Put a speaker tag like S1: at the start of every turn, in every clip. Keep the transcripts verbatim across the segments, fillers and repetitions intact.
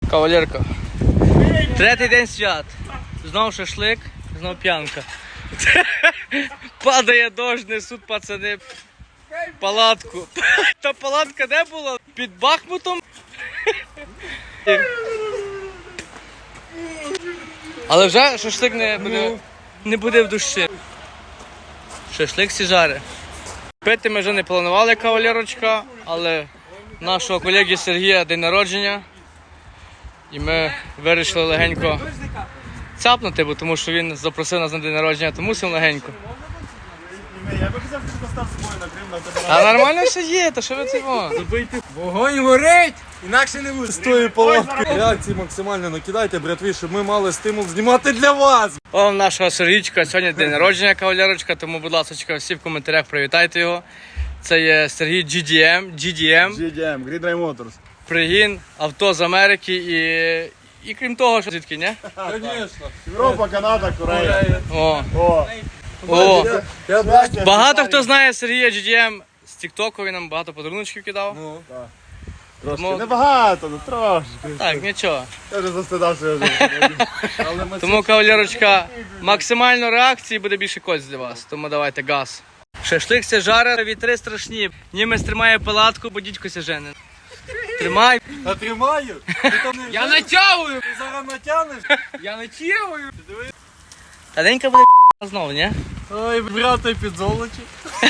S1: Кавалерка. Третій день свят. Знов шашлик, знов п'янка. Падає дощ, несуть пацани палатку. Та палатка де була? Під Бахмутом? Але вже шашлик не буде, не буде в душі. Шашлик сі жаре. Пити ми вже не планували, кавалерочка, але нашого колеги Сергія день народження. І ми вирішили легенько цапнути, бо тому що він запросив нас на день народження, то мусимо легенько.
S2: Я би казав, що постав з собою накрив на тебе.
S1: А нормально все є, то що ви цього?
S3: Вогонь горить, інакше не буде.
S2: З тої палатки реакції максимально накидайте, братві, щоб ми мали стимул знімати для вас.
S1: О, нашого Сергійчика сьогодні день народження, кавалерочка, тому, будь ласка, всі в коментарях привітайте його. Це є Сергій джі ді ем, джі ді ем.
S2: джі ді ем, Green Drive Motors.
S1: Пригін, авто з Америки і, і крім того, що звідки, ні?
S3: Звісно.
S2: Європа, Канада, Корея.
S1: О,
S2: О,
S1: о.
S2: я бачу.
S1: Багато хто знає Сергія джі ді ем з Тіктоку, він нам багато подаруночків кидав.
S3: Ну,
S2: Трошки,
S1: Тому-
S2: небагато, ну трошки.
S1: Так, нічого.
S2: Я вже застидався, я вже. Але ми
S1: Тому, кавалерочка, максимально реакції буде більше кость для вас. Тому давайте газ. Шашлик ся жаре, вітри страшні. Німець тримає палатку, бо дідько ся жене. Тримай.
S2: натримаю. Ти там не
S3: я натягую,
S2: ти зараз натягнеш.
S3: я натягую.
S1: Та денька буде знову, ні?
S2: Ой, брате, під золоті.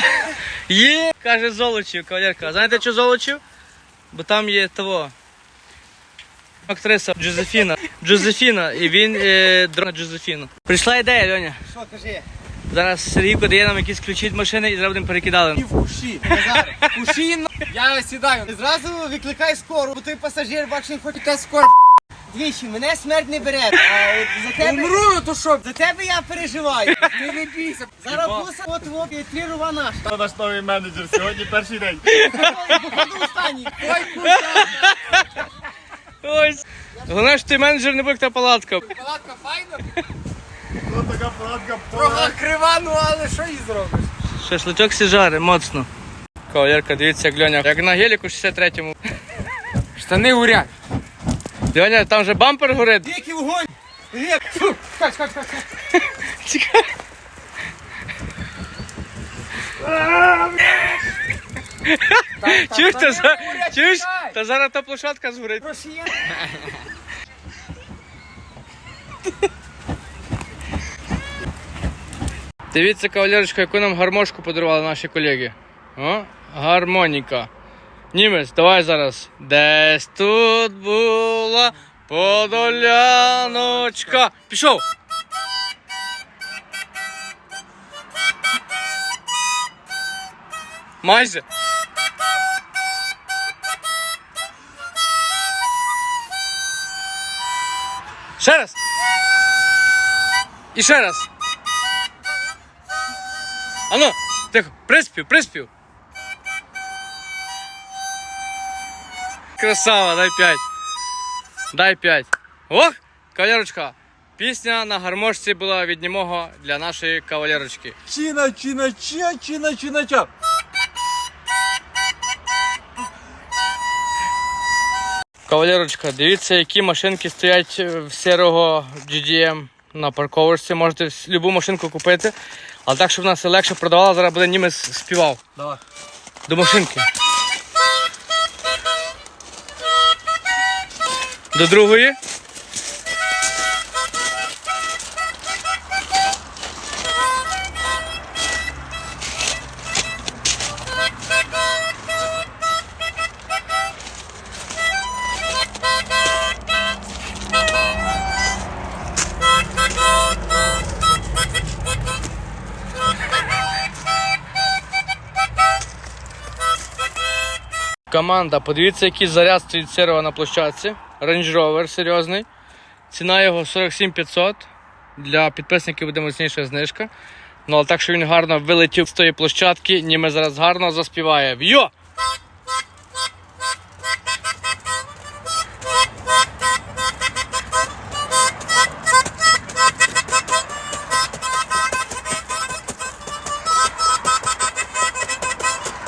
S1: Є, каже Золочів, кавалерка. А знаєте, що Золочів? Бо там є того. Актриса Джозефіна. Джозефіна. І він е, дрона Джозефіна. Прийшла ідея, Льоня.
S3: Що, кажи?
S1: Зараз Сергійко дає нам якісь ключі від машини і зараз будемо перекидали.
S3: І в куші. Назаре. Куші, ну. Я сідаю. І зразу викликай скору, бо той пасажир, бачиш, не хоче та скоро. Двічі, мене смерть не бере, а от за тебе... Умру, то що? За тебе я переживаю. Ти не бійся. Зараз буса, от, от, і три рува наш.
S2: Це наш новий менеджер, сьогодні перший день.
S3: Походу останній. Ой, куша.
S1: Ось. Головне, що ти менеджер, не буде та палатка.
S3: Палатка файна.
S2: Ось така палатка.
S3: Трохи крива, ну але що їй зробиш?
S1: Шашличок сі жаре, моцно. Кавалерка, дивіться, як Льоня. Як на геліку шістдесят третьому.
S3: Штани горять.
S1: Льоня, там же бампер горить.
S3: Який вогонь. Як? Фу. Чекай, чекай, чекай.
S1: Чекай. Чуєш, та, за... Чуєш? Та зараз та площадка згорить.
S3: Росія.
S1: Дивіться, кавалерочка, яку нам гармошку подарували наші колеги. О, гармоніка. Німець, давай зараз. Десь тут була подоляночка. Пішов. Майже. Ще раз. І ще раз. Ану, тихо, приспів, приспів. Красава, дай п'ять. Дай п'ять. Ох, кавалерочка. Пісня на гармошці була від німого для нашої кавалерочки.
S2: Чина, чина, ча, чина, чина, ча.
S1: Кавалерочка, дивіться, які машинки стоять в серого джі ді ем на парковочці. Можете любу машинку купити. Але так, щоб вона все легше продавала, зараз буде німець співав.
S3: Давай.
S1: До машинки. До другої. Команда, подивіться, який заряд стоїть серого на площадці. Range Rover серйозний. Ціна його сорок сім п'ятсот. Для підписників буде мощніша знижка. Ну, але так, що він гарно вилетів з тої площадки, німе зараз гарно заспіває. Йо!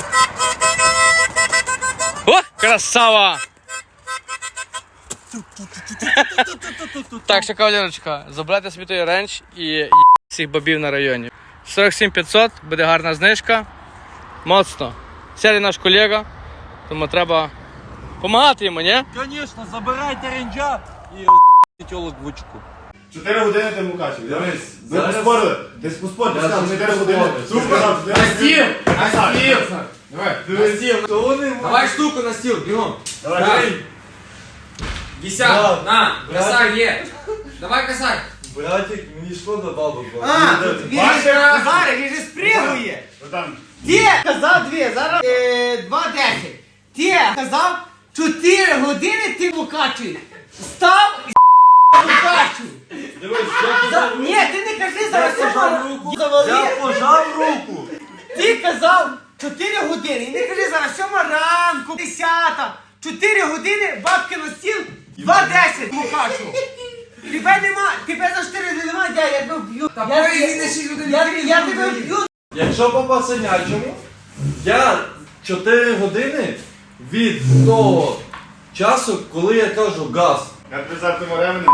S1: О, красава! Так що, кавалерочка, забирайте собі той ренч і є всіх бабів на районі. сорок сім п'ятсот, буде гарна знижка. Моцно. Сергій наш колега, тому треба допомагати йому, ні?
S2: Звісно, забирайте ренджа і тілок в очку.
S4: Чотири години ти мукачив. Дивись, ви поспорили. Ти поспорили, ти сказав чотири години. Супер. На стіл! На стіл! Давай, на стіл.
S5: Давай штуку на стіл, бігом.
S4: Давай.
S5: Десят, на, косарь є. Давай косарь.
S2: Братик, мені шкода бабу.
S3: А, він же Назаре, він же спригує.
S4: Там.
S3: Ти казав дві, зараз е, два десять. Ти казав чотири години ти мукачуєш. Став і мукачу.
S2: Дивись, я пожав
S3: Ні, ти не кажи зараз.
S2: Я пожав руку. Я пожав руку.
S3: Ти казав чотири години. І не кажи зараз сьома ранку, десята. чотири години, бабки на стіл, два десять мукачу. Тебе нема, тебе за чотири години нема, я тебе вб'ю.
S5: Та
S3: Я-
S5: бої,
S3: я-
S5: він не шість годин,
S3: Я
S5: три
S3: я
S5: години
S3: тебе
S5: є.
S3: вб'ю.
S2: Якщо по пасенячому, я чотири години від того часу, коли я кажу газ.
S4: Я при завтому ремені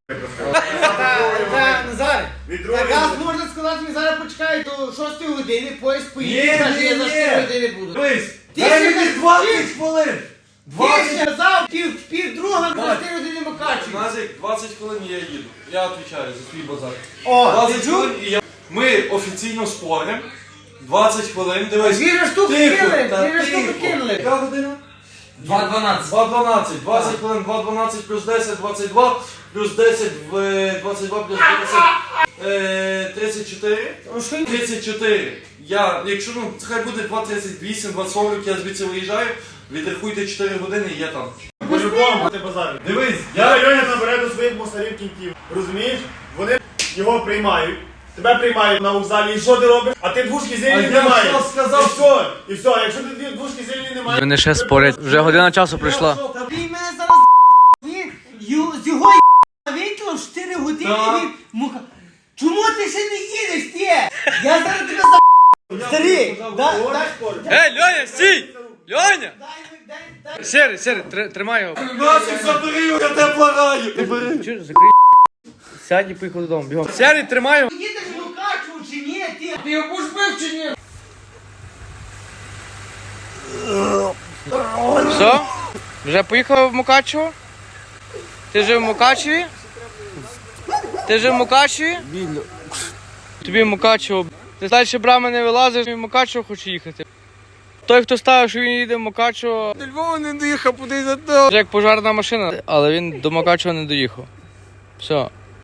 S3: Та, Назар,
S4: Від
S3: так
S4: другої
S3: раз
S4: години.
S3: можна сказати, ми зараз почекають до шостої години, поїзд
S2: Ні,
S3: поїде, каже, я за
S2: ні,
S3: чотири
S2: ні.
S3: години буду.
S2: Дивись,
S3: Ти
S2: дай
S3: ще
S2: мені
S3: не
S2: двадцять
S3: вчиш.
S2: хвилин.
S3: Ти
S2: двадцять
S3: сказав пів, пів друга на чотири години макачу.
S2: Назик, двадцять хвилин і я їду. Я відповідаю за свій базар.
S3: О,
S2: двадцять
S3: ти чув?
S2: хвилин і я... Ми офіційно споримо. двадцять хвилин, дивись.
S3: Дві же штуки
S2: Тихо,
S3: кинули,
S2: та
S3: дві же штуки
S2: тихо.
S3: кинули.
S2: Яка година?
S5: два дванадцять.
S2: два дванадцять. двадцять хвилин, два дванадцять плюс десять, двадцять два. Плюс десять, в двадцять два плюс десять, е, тридцять чотири.
S3: Ну, що й-
S2: тридцять чотири. Я, якщо, ну, хай буде два тридцять вісім, два сорок, я звідси виїжджаю, відрахуйте чотири години і я там.
S4: По-любому ти базариш.
S2: Дивись,
S4: Я
S2: я...
S4: районі набере до своїх мусорів кіньків. Розумієш? Вони його приймають. Тебе приймають на вокзалі, і що ти робиш? А ти двушки
S2: А
S4: зелені
S2: я
S4: не маєш.
S2: що сказав?
S4: І все, і все. А якщо ти дві двушки зелені не маєш...
S1: Вони ще спорять. Вже година часу прийшла.
S3: Та ти мене зараз він ю- з його вийшло в чотири години
S2: Так.
S3: він мука. Чому ти ще не їдеш, ти? Я зараз тебе за... Старий, да- да-
S1: Ей, Льоня, стій! Льоня!
S3: дай, дай, дай.
S1: Сері, Сері, тр- тримай його.
S2: Насик, забери його, я тебе благаю.
S1: Чуєш, закрий. Сядь і поїхав додому, бігом. Сері, тримай його.
S3: Їдеш в Мукачево чи ні, ти?
S5: Ти його будеш бив чи ні?
S1: Все? Вже поїхав в Мукачево? Ти жив в Мукачеві? Ти жив в Мукачеві? Тобі в Мукачево. Ти далі брами не вилазиш, і в Мукачево хоче їхати. Той, хто ставив, що він їде в Мукачево, до Львова не доїхав, куди за то. Як пожарна машина, але він до Мукачева не доїхав. Все.